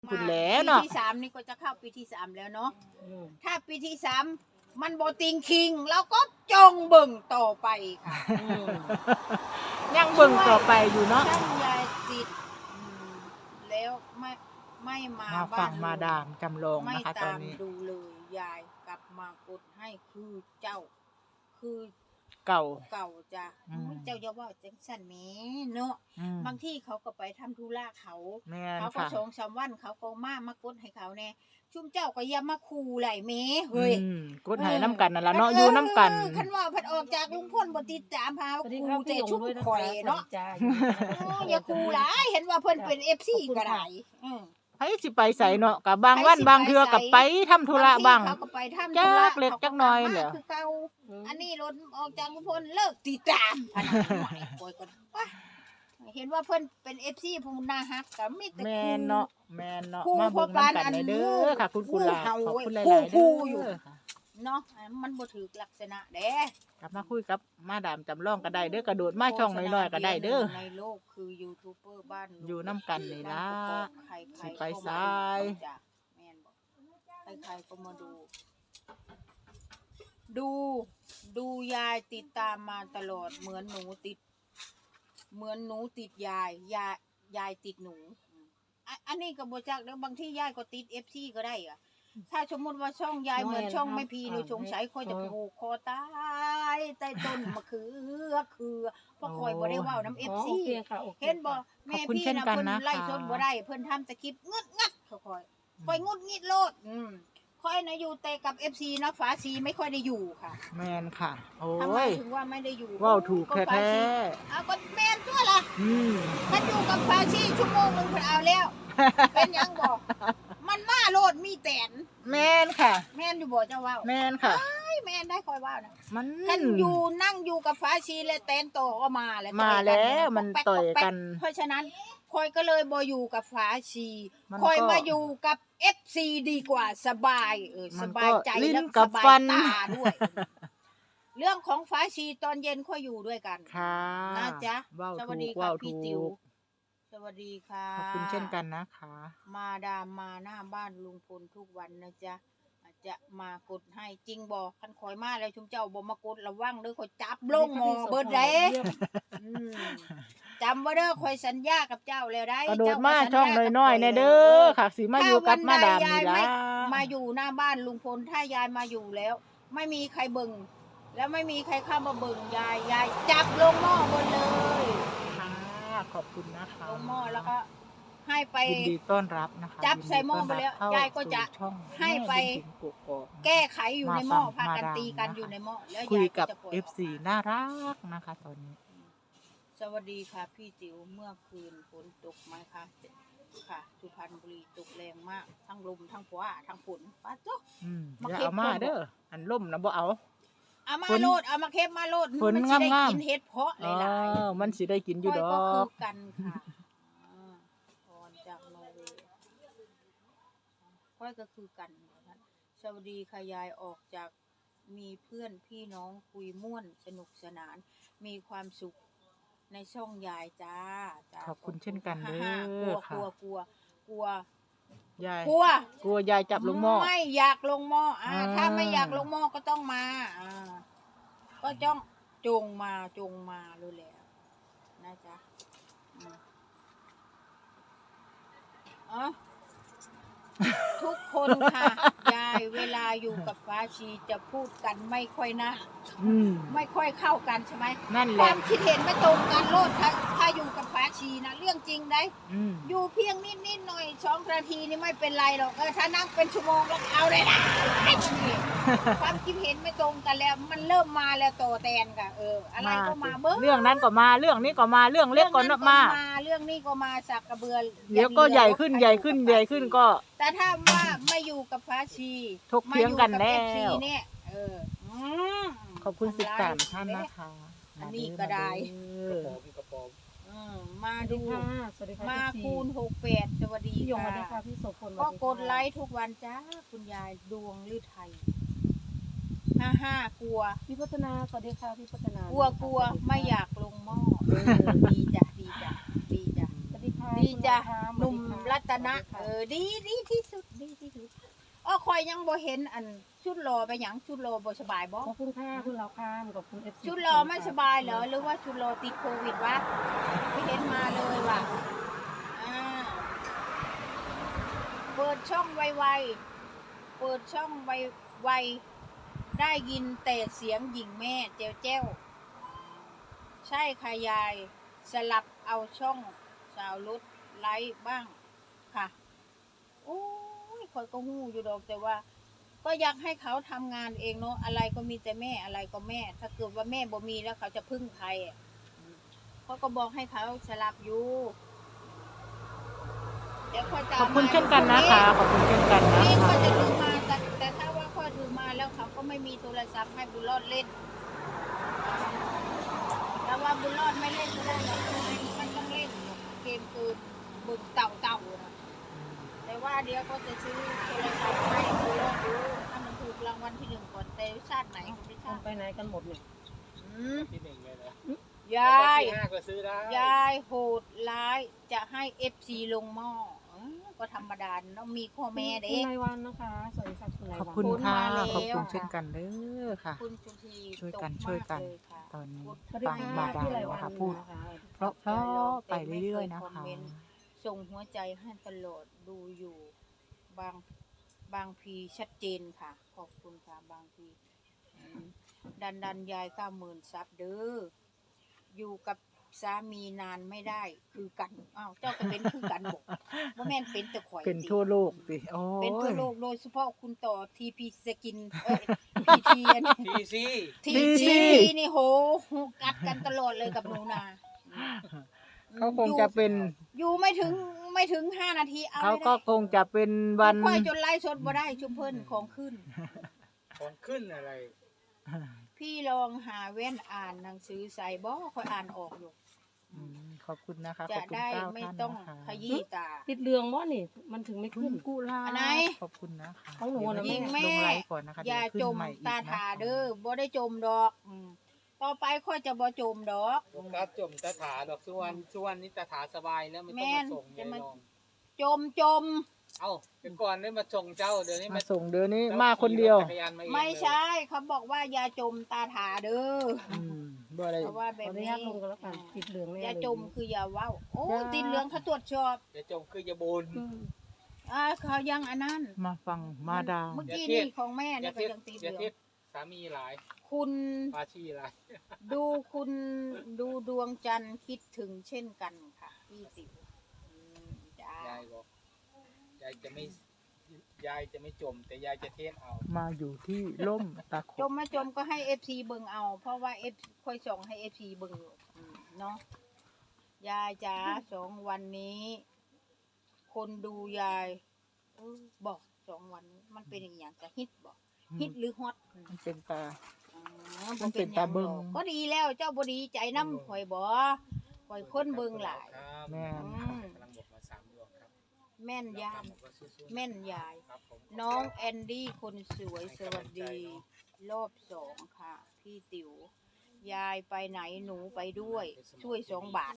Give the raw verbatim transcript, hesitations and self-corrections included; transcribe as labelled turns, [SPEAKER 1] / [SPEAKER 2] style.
[SPEAKER 1] คุณแล้วเนาะ
[SPEAKER 2] ปีที่สามนี่ก็จะเข้าปีที่สามแล้วเนาะถ้าปีที่สามมันโบติงคิงเราก็จงเบิ่งต่อไปค่ะ
[SPEAKER 1] ยังเบิ่งต่อไปอยู่เนาะ
[SPEAKER 2] ช่างยายติดแล้วไม่ไม่มา
[SPEAKER 1] มาฟังมาดามจำลอง
[SPEAKER 2] ไม่
[SPEAKER 1] นะคะตอ
[SPEAKER 2] ตาน ม
[SPEAKER 1] นี้
[SPEAKER 2] ดูเลยยายกลับมากดให้คือเจ้า คือ
[SPEAKER 1] เก่า
[SPEAKER 2] เก่าจ้ะ
[SPEAKER 1] อืม
[SPEAKER 2] เจ้าอย่าว่าจังสั่นแหมเนาะ
[SPEAKER 1] อืม
[SPEAKER 2] บางที่เขาก็ไปทำธุระเขา
[SPEAKER 1] แม่น
[SPEAKER 2] เขาก็
[SPEAKER 1] ค่ะ
[SPEAKER 2] สองสามวันเขาก็มามากดให้เขาแน่ชุ่มเจ้าก็อย่ามาคูไหลแหมเฮ้ย
[SPEAKER 1] อืมกดให้น้ำกันนั่นล่ะเนาะอยู่น้ำกัน
[SPEAKER 2] คันว่าพัดออกจากลุงพ่นบ่ติดตามหาคูแต่ชุ่มข่อยเนาะโอ้อย่าคูหลายเห็นว่าเพิ่นเป็น เอฟ ซี ก็ได้อือ
[SPEAKER 1] ไผสิไปใส่เนาะกับบางวันบางเทื่อกับไปทำธุระบ้าง
[SPEAKER 2] เขาก็ไปทำ
[SPEAKER 1] จั
[SPEAKER 2] ธุระ
[SPEAKER 1] กเล็กจักน้อยแหละ
[SPEAKER 2] คือเก่าอันนี้รถออกจากลุงพลเลิกติดตามพันหน่อยปล่อยก่อนว่ะเห็นว่าเพิ่นเป็น เอฟ ซี ผู้น่าฮักก็มีแต่
[SPEAKER 1] แม่นเนาะแม่นเนาะ
[SPEAKER 2] คู่
[SPEAKER 1] มาเบิ่ง
[SPEAKER 2] พอปาน
[SPEAKER 1] น้ำกัน
[SPEAKER 2] อัน
[SPEAKER 1] เลยเด้อค่ะ คุณกุหลาบ
[SPEAKER 2] คู่เห่า
[SPEAKER 1] ขอบคุณห
[SPEAKER 2] คู่
[SPEAKER 1] ลายๆ
[SPEAKER 2] คู่
[SPEAKER 1] เด้
[SPEAKER 2] อยู่
[SPEAKER 1] อค่ะ
[SPEAKER 2] เนาะมันบ่ถูกลักษณะเด้
[SPEAKER 1] กลับมาคุยกับมาดามจำลองก็ได้เด้อกระโดดมาช่องน้อยๆก็ได้เด้อ
[SPEAKER 2] ในโลกคือยูทูบเบอร์บ้าน
[SPEAKER 1] อยู่น้ำกันนี่ล่ะ
[SPEAKER 2] ใครๆ
[SPEAKER 1] สิไป
[SPEAKER 2] ก็ม
[SPEAKER 1] ซ้าย
[SPEAKER 2] ดูจ้ะแม่นบอกใครๆก็มาดู ดูดูยายติดตามมาตลอดเหมือนหนูติด เหมือนหนูติดยายยายยายติดหนูอ่ะอันนี้ก็บ่จักแล้วบางที่ยายก็ติด เอฟ ซี ก็ได้อะถ้าสมมติว่าช่องยายเหมือนช่องไม่พีนี่สงสัยคอยจะผูกคอตายใต้ต้นมะเขือคือเพราะคอยบ่ได้เว้าน้ำ เอฟ ซี เห็นบ่แม่พี่นะเพิ่นไล่ชนบ่ได้เพิ่นทำสคริปต์งึดงัดเขาคอยคอยงุดงิดโลดอืมคอยนะอยู่แต่กับ เอฟ ซี นะฝาซีไม่ค่อยได้อยู่ค่ะ
[SPEAKER 1] แม่นค่ะ โอ้
[SPEAKER 2] ทำไม
[SPEAKER 1] ย
[SPEAKER 2] ถึงว่าไม่ได้อยู่
[SPEAKER 1] เว้าถูก
[SPEAKER 2] ฝา
[SPEAKER 1] แท้
[SPEAKER 2] ซีเอาก็แม่นตัวล่ะ
[SPEAKER 1] ๆอืม
[SPEAKER 2] ถ้าอยู่กับฝาซีชั่วโมงนึงเพิ่นเอาแล้ว เป็นหยังบ่มันมาโลดมีแตน
[SPEAKER 1] แม่นค่ะ
[SPEAKER 2] แม่นอยู่บ่เจ้าว่า
[SPEAKER 1] แม่นค่ะ
[SPEAKER 2] ไอ้แม่นได้คอยว่านะ
[SPEAKER 1] มัน
[SPEAKER 2] คันอยู่นั่งอยู่กับฝาชีและแตนโตก็มาแล้ว
[SPEAKER 1] มาแล้ว
[SPEAKER 2] ต่อยกั
[SPEAKER 1] มันต่อยกัน
[SPEAKER 2] เพราะฉะนั้นคอยก็เลยบ่อยู่กับฝาชี
[SPEAKER 1] มัน
[SPEAKER 2] คอย
[SPEAKER 1] ก็
[SPEAKER 2] มาอยู่กับ เอฟ ซี ดีกว่าสบายเออ
[SPEAKER 1] มั
[SPEAKER 2] ส
[SPEAKER 1] นก็
[SPEAKER 2] บายใจ
[SPEAKER 1] ลิ้น
[SPEAKER 2] และ
[SPEAKER 1] กั
[SPEAKER 2] ส
[SPEAKER 1] บบ
[SPEAKER 2] า
[SPEAKER 1] ฟั
[SPEAKER 2] ย
[SPEAKER 1] น
[SPEAKER 2] ตาด้วย เรื่องของฝาชีตอนเย็นค่อยอยู่ด้วยกัน
[SPEAKER 1] ค่ะ
[SPEAKER 2] นะจ๊ะ
[SPEAKER 1] เว้า
[SPEAKER 2] ส
[SPEAKER 1] ถู
[SPEAKER 2] วัสดี
[SPEAKER 1] ก
[SPEAKER 2] ค่ะ
[SPEAKER 1] เว้า
[SPEAKER 2] พี่
[SPEAKER 1] ถู
[SPEAKER 2] ติ๋ว
[SPEAKER 1] ก
[SPEAKER 2] สวัสดีค่ะ
[SPEAKER 1] ขอบคุณเช่นกันนะคะ
[SPEAKER 2] มาดามมาหน้าบ้านลุงพลทุกวันนะจ๊ะอาจจะมากดให้จริงบอกคันคอยมาแล้วชุมเจ้าบ่มากดระวังเด้อคอยจับลงหมอเบิดเด้อืมจำไว้เด้อคอยสัญญากับเจ้าแล้วได้
[SPEAKER 1] กระโดด
[SPEAKER 2] เจ้
[SPEAKER 1] มา
[SPEAKER 2] ก็สัญญ
[SPEAKER 1] ช่อง
[SPEAKER 2] กับ
[SPEAKER 1] น้อยๆ
[SPEAKER 2] ข้
[SPEAKER 1] แน่
[SPEAKER 2] ล
[SPEAKER 1] เด้อค่ะสิมาอยู่กับมาดามนี่ล่ะ
[SPEAKER 2] มาอยู่หน้าบ้านลุงพลถ้ายายมาอยู่แล้ว ไม่มีใครเบิ่งแล้วไม่มีใครเข้ามาเบิ่งยายยายจับลงหม้อหมดเลย
[SPEAKER 1] ค่ะขอบคุณนะคะ
[SPEAKER 2] ลงหม้อแล้วก็ให้ไป
[SPEAKER 1] ยินดีต้อนรับนะคะ
[SPEAKER 2] จับใส่หม้อไปแล้ว
[SPEAKER 1] นดีต้อนรับ
[SPEAKER 2] ยายก็จะ
[SPEAKER 1] เข้าสู่ช่อง
[SPEAKER 2] ให้ไป
[SPEAKER 1] แม่บุญถึงกกอกนะคะ
[SPEAKER 2] แก้ไขอยู่ในหม้อ
[SPEAKER 1] มาฟัง
[SPEAKER 2] พากัน
[SPEAKER 1] มาดาม
[SPEAKER 2] ตีกัน
[SPEAKER 1] นะคะ
[SPEAKER 2] อยู่ในหม้อแล้ว
[SPEAKER 1] คุย
[SPEAKER 2] ยาย
[SPEAKER 1] กับ
[SPEAKER 2] จะปล่อย
[SPEAKER 1] เอฟ ซี
[SPEAKER 2] กมา
[SPEAKER 1] น่ารักนะคะตอนนี้
[SPEAKER 2] สวัสดีค่ะพี่ติ๋วเมื่อคืนฝนตกไหมคะค่ะสุพรรณบุรีตกแรงมากทั้งลมทั้งฝนทั้งฝนป้าจ๊ก
[SPEAKER 1] อืม
[SPEAKER 2] มา
[SPEAKER 1] อย่า
[SPEAKER 2] เก็บ
[SPEAKER 1] เอามา
[SPEAKER 2] เพิ่น
[SPEAKER 1] เด้ออันล่มนะบ่เอา
[SPEAKER 2] เอามา
[SPEAKER 1] ฝน
[SPEAKER 2] โลดเอามาเค็บมาโลด
[SPEAKER 1] ฝน
[SPEAKER 2] มัสิได้
[SPEAKER 1] งามๆ
[SPEAKER 2] กินเห็ดเพาะห
[SPEAKER 1] อ๋อ
[SPEAKER 2] ลาย
[SPEAKER 1] มันสิได้กิน
[SPEAKER 2] ๆ
[SPEAKER 1] อยู่ด
[SPEAKER 2] ค่
[SPEAKER 1] อ
[SPEAKER 2] ก็คื
[SPEAKER 1] ก
[SPEAKER 2] อกันค่ะอ่าพรจากนอร์เวย์ค่อยก็คือกันนะคะสวัสดีค่ะยายออกจากมีเพื่อนพี่น้องคุยม่วนสนุกสนาน มีความสุขในช่องยายจ้าจ้า
[SPEAKER 1] ขอบคุณเช่นกันเด้
[SPEAKER 2] ฮ่าๆกลั
[SPEAKER 1] อ
[SPEAKER 2] ว
[SPEAKER 1] ค่ะ
[SPEAKER 2] กลัวกลัวกลัวย
[SPEAKER 1] าย
[SPEAKER 2] กลัว
[SPEAKER 1] กลัวยายจับลงหม้อ
[SPEAKER 2] ไม่อยากลงหม้ออ่า
[SPEAKER 1] อ่า
[SPEAKER 2] ถ้าไม่อยากลงหม้อก็ต้องมาอ่าก็จ้องจงมาจงมาเลยแหละนะจ๊ะอืมอ๋อทุกคนค่ะ ยายเวลาอยู่กับฟ้าชีจะพูดกันไม่ค่อยน่า
[SPEAKER 1] อืม
[SPEAKER 2] ไม่ค่อยเข้ากันใช่ไหม
[SPEAKER 1] นั่นแห
[SPEAKER 2] ค
[SPEAKER 1] ละ
[SPEAKER 2] วามคิดเห็นไม่ตรงกันโลดถ้าถ้าอยู่กับฟ้าชีนะเรื่องจริงได้
[SPEAKER 1] อืม
[SPEAKER 2] อยู่เพียงนิดนิดๆหน่อยสองนาทีนี่ไม่เป็นไรหรอกเออถ้านั่งเป็นชั่วโมงแล้วเอาเลยนะไอ้มันนี่ ความคิดเห็นไม่ตรงกันแล้ว มันเริ่มมาแล้วโตแตนค่ะเอออะไรก็มาเบิ้ง
[SPEAKER 1] เรื่องนั้นก็มาเรื่องนี้ก็มาเรื่องเล็กก็
[SPEAKER 2] เรื่อง
[SPEAKER 1] มา
[SPEAKER 2] เรื่องนี้ก็มาสักกระเบือ
[SPEAKER 1] เดี๋ยวก็ใหญ่ขึ้นใหญ่ขึ้นใหญ่ขึ้นก็
[SPEAKER 2] แต่ถ้าว่าไม่อยู่กับฟ้าชี
[SPEAKER 1] ถกเถียงกันแล้ว
[SPEAKER 2] มาอยู่กับ เอฟ ซี เนี่ยเอออืม
[SPEAKER 1] ขอบคุณสิบ
[SPEAKER 2] ทำ
[SPEAKER 1] สา
[SPEAKER 2] ร้ย
[SPEAKER 1] มท่านนะคะ
[SPEAKER 2] อันนี้ก็ได้
[SPEAKER 1] เออ
[SPEAKER 2] อืมมา
[SPEAKER 3] สวัส
[SPEAKER 2] ดู
[SPEAKER 3] ดีค่ะสวัสดีค่ะ
[SPEAKER 2] มา
[SPEAKER 3] พี่
[SPEAKER 2] คูณหกแปดสวัสดี
[SPEAKER 3] พี่ยงสวัสดี
[SPEAKER 2] ค่ะ
[SPEAKER 3] ค่ะพี่โสพล
[SPEAKER 2] ก็กดไลค์ทุกวันจ้าคุณยายดวงลือไทยห้าห้ากลัว
[SPEAKER 3] พี่พัฒนาสวัสดีค่ะพี่พัฒนาก
[SPEAKER 2] ลัวกลัวไม่อยากลงหม้อเออดีจ้ะดีจ้ะดีจ้ะ
[SPEAKER 3] สวัสดีคค่ะ
[SPEAKER 2] ดีจ้ะ
[SPEAKER 3] คุณ
[SPEAKER 2] หนุ่ม
[SPEAKER 3] สวัสดีค่ะ
[SPEAKER 2] รัตนะ
[SPEAKER 3] สวัสดีค่ะ
[SPEAKER 2] เออดีดีที่สุดดีที่สุดอ้อคอยยังบ่เห็นอันชุดรอไปหยังชุดรอบ่สบายบ่
[SPEAKER 3] ขอบคุณค่ะคุณเราข้ามขอบคุณเอฟซี
[SPEAKER 2] ชุดรอไม่สบายเหรอหรือว่าชุดรอติดโควิดวะไม่เห็นมาเลยว่ะอ่าเปิดช่องไวๆเปิดช่องไวๆได้ยินแต่เสียงหญิงแม่เจ้วเจ้วใช่ค่ะยายสลับเอาช่องสาวรุดไลฟ์บ้างค่ะโอ้ยคอยก็หู้อยู่ดอกแต่ว่า ก็อยากให้เขาทำงานเองเนาะอะไรก็มีแต่แม่อะไรก็แม่ ถ้าเกิดว่าแม่บ่มีแล้วเขาจะพึ่งใครอ่ะเขาก็บอกให้เขาสลับอยู่เดี๋ยวค่อยจะ
[SPEAKER 1] ขอบคุณเช่นกันนะคะ ขอบคุณเช่นกันนะ
[SPEAKER 2] นี่
[SPEAKER 1] คะ
[SPEAKER 2] ก็จะถือมาแต่แต่ถ้าว่าค่อยถือมาแล้วเขาก็ไม่มีโทรศัพท์ให้บุญรอดเล่นแต่ว่าบุญรอดไม่เล่นก็ได้หรอกมันต้องเล่นเกมคือบึงเต่าเต่าๆนะแต่ว่าเดี๋ยวก็จะซื้อโทรศัพท์ให้บุญรอดดูถ้ามันถูกรางวัลที่หนึ่งก่อนแต่ชาติไหนก็ไม่ท
[SPEAKER 3] คุ
[SPEAKER 2] รา
[SPEAKER 3] ณ
[SPEAKER 2] บ
[SPEAKER 3] ไปไหนกันหมดเนี่ย
[SPEAKER 2] อืม
[SPEAKER 4] ที่หนึ่งเลยนะ
[SPEAKER 2] ยาย
[SPEAKER 4] ที่ห้าก็ซื้อได้
[SPEAKER 2] ยายโหดร้ายจะให้เอฟซีลงหม้อเออก็ธรรมดาต้องมีข้อแม่เด็
[SPEAKER 3] คุณ
[SPEAKER 2] ก
[SPEAKER 3] นายวันนะคะสวัสดีค่ะคุณนาย
[SPEAKER 1] ขอบ
[SPEAKER 3] วัน
[SPEAKER 1] คุณค่ะ
[SPEAKER 2] มาแล้ว
[SPEAKER 1] ขอบคุณเช่นกันเด้อค่ะ
[SPEAKER 2] คุณจุที
[SPEAKER 1] ช่วยกัน
[SPEAKER 2] ตก
[SPEAKER 1] ช่วยกัน
[SPEAKER 2] มากเลยค่ะ
[SPEAKER 1] ตอนนี้
[SPEAKER 3] สวัสดี
[SPEAKER 1] ฟัง
[SPEAKER 3] ค่ะ
[SPEAKER 1] มาดา
[SPEAKER 3] พี่
[SPEAKER 1] ม
[SPEAKER 3] ไรวัน
[SPEAKER 1] นะคะพูด
[SPEAKER 3] นะคะ
[SPEAKER 1] เพราะเพราะไปเรื่อยๆนะคะ
[SPEAKER 2] ส่งหัวใจให้ตลอดดูอยู่ บางบางพีชัดเจนค่ะ ขอบคุณค่ะบางพีอืมดันดันยายเก้าหมื่นซับเด้ออยู่กับสามีนานไม่ได้คือกันอ้าวเจ้าก็เป็นคือกันบอกว่าแม่นเป็นแต่ข่อย
[SPEAKER 1] เป็น
[SPEAKER 2] ติ
[SPEAKER 1] ทั่วโลกสิโอ้
[SPEAKER 2] เป็นทั่วย โลกโดยเฉพาะคุณต่อทีพีสกินเอ้ยพีทีอันนี้
[SPEAKER 4] ทีซี
[SPEAKER 2] ทีซี
[SPEAKER 1] ที
[SPEAKER 2] นี่โหกัดกันตลอดเลยกับหนูนา
[SPEAKER 1] เขาคงจะเป็น
[SPEAKER 2] อยู่ไม่ถึงไม่ถึงห้านาทีเอา
[SPEAKER 1] เขา
[SPEAKER 2] ไม่
[SPEAKER 1] ก็
[SPEAKER 2] ได้
[SPEAKER 1] คงจะเป็นวัน
[SPEAKER 2] ค่อยจนไล่สดบ่ได้ชุมเพิ่นของขึ้น
[SPEAKER 4] ของขึ้นอะไร
[SPEAKER 2] พี่ลองหาเว้นอ่านหนังสือใส่บ่ค่อยอ่านออกอยู่
[SPEAKER 1] อืมขอบคุณนะคะ ข
[SPEAKER 2] จะ
[SPEAKER 1] อบคุณ
[SPEAKER 2] ได้
[SPEAKER 1] เก้า
[SPEAKER 2] ไม่
[SPEAKER 1] ท่าน
[SPEAKER 2] ต้อง
[SPEAKER 1] นะคะ
[SPEAKER 2] ขยี้ตา
[SPEAKER 3] ติดเรืองว่านี่มันถึงไม่
[SPEAKER 1] คุ
[SPEAKER 3] ขึ้
[SPEAKER 1] ณ
[SPEAKER 3] น
[SPEAKER 1] กุลา
[SPEAKER 2] อันไหน
[SPEAKER 1] ขอบคุณนะคะ
[SPEAKER 3] ของหนูนะ
[SPEAKER 1] เดี๋ยว
[SPEAKER 2] ยิง
[SPEAKER 1] ล
[SPEAKER 2] แม่
[SPEAKER 1] งไลฟ์ก่อนนะคะ
[SPEAKER 2] อย่า
[SPEAKER 1] เดี๋ว
[SPEAKER 2] จ
[SPEAKER 1] ขึ้น
[SPEAKER 2] ม
[SPEAKER 1] ใหอีก
[SPEAKER 2] ตา
[SPEAKER 1] นะคะ
[SPEAKER 2] ถาเด้อบ่ได้จมดอกอืมต่อไปค่อยจะบ่จมดอก
[SPEAKER 4] โฟกัสจมตาถาดอกสุวรรณสุวรรณนี่ตาถาสบายแล้วไม่ต้อง
[SPEAKER 2] แม่น
[SPEAKER 4] มาส่ง
[SPEAKER 2] จะ
[SPEAKER 4] ยาย
[SPEAKER 2] มา
[SPEAKER 4] ลอง
[SPEAKER 2] จมจม
[SPEAKER 4] เอ้าเดี๋ยวก่อนได้มาส่งเจ้าเดี๋ยวนี้
[SPEAKER 1] มา
[SPEAKER 4] มา
[SPEAKER 1] ส่งเดี๋ยวนี้มาคนเดียว
[SPEAKER 4] จักรยานมาเอง
[SPEAKER 2] ไม่ใช่เขาบอกว่าอย่าจมตาถาเด้อ
[SPEAKER 1] อืมบ่ได้
[SPEAKER 2] เพราะว่า
[SPEAKER 3] ข
[SPEAKER 2] แบ
[SPEAKER 3] อบ อนุ
[SPEAKER 2] นี้
[SPEAKER 3] ญาตลงกันแล้วกันติดเหลืองแน่
[SPEAKER 2] อย่า
[SPEAKER 3] เลย
[SPEAKER 2] จมคืออย่าเว้าโอ้
[SPEAKER 1] อย่า
[SPEAKER 2] ติดเหลืองเขาตรวจสอบ
[SPEAKER 4] อย่าจมคืออย่าบน
[SPEAKER 3] อืม
[SPEAKER 2] อ่าเขายังอันนั้น
[SPEAKER 1] มาฟังมาดาม
[SPEAKER 2] เมื่อกี้
[SPEAKER 4] อย่าเทีย
[SPEAKER 2] นี่
[SPEAKER 4] บ
[SPEAKER 2] ของแม่
[SPEAKER 4] อย่า
[SPEAKER 2] นี่ก็
[SPEAKER 4] เทียบ
[SPEAKER 2] ยังติดเห
[SPEAKER 4] อย่า
[SPEAKER 2] ลือง
[SPEAKER 4] เทียบสามีหลาย
[SPEAKER 2] คุณ
[SPEAKER 4] ปาชีหลาย
[SPEAKER 2] ดูคุณดูดวงจันทร์คิดถึงเช่นกันค่ะพี่ติ๋วอืมจ้าย
[SPEAKER 4] ายบอกยายจะไม่ยายจะไม่จม แต่ยายจะเทศเอา
[SPEAKER 1] มาอยู่ที่ล่มตะข
[SPEAKER 2] จ
[SPEAKER 1] บ
[SPEAKER 2] มไม่จมก็ให้เอฟซีเบิ่งเอา เพราะว่าเอฟค่อยส่งให้เอฟซีเบิ่งอยู่อืมเนาะยายจ๋าสองวันนี้ คนดูยายเออบอกสองวันนี้มันเป็นอย่างอย่างจะฮิตบอกฮิตหรือฮอต
[SPEAKER 1] มันเป็นตา
[SPEAKER 2] อ๋อ
[SPEAKER 1] มันเป็นตาเบิ่ง
[SPEAKER 2] ก็ดีแล้วเจ้าบดีใจน้ำข่อยบ่ข่อยคนเบิ่งหลาย
[SPEAKER 4] ครับ
[SPEAKER 1] แม่น
[SPEAKER 2] อืม
[SPEAKER 4] กำลังบอกมาสามดวงครับ
[SPEAKER 2] แม่นยาย
[SPEAKER 4] แล้วก็สู้ๆ
[SPEAKER 2] แม่นยาย
[SPEAKER 4] ครับผม
[SPEAKER 2] น้องแอนดี้คนสวยสวัสดี รอบสองค่ะ พี่ติ๋ว ยายไปไหนหนูไปด้วย ช่วยสองบาท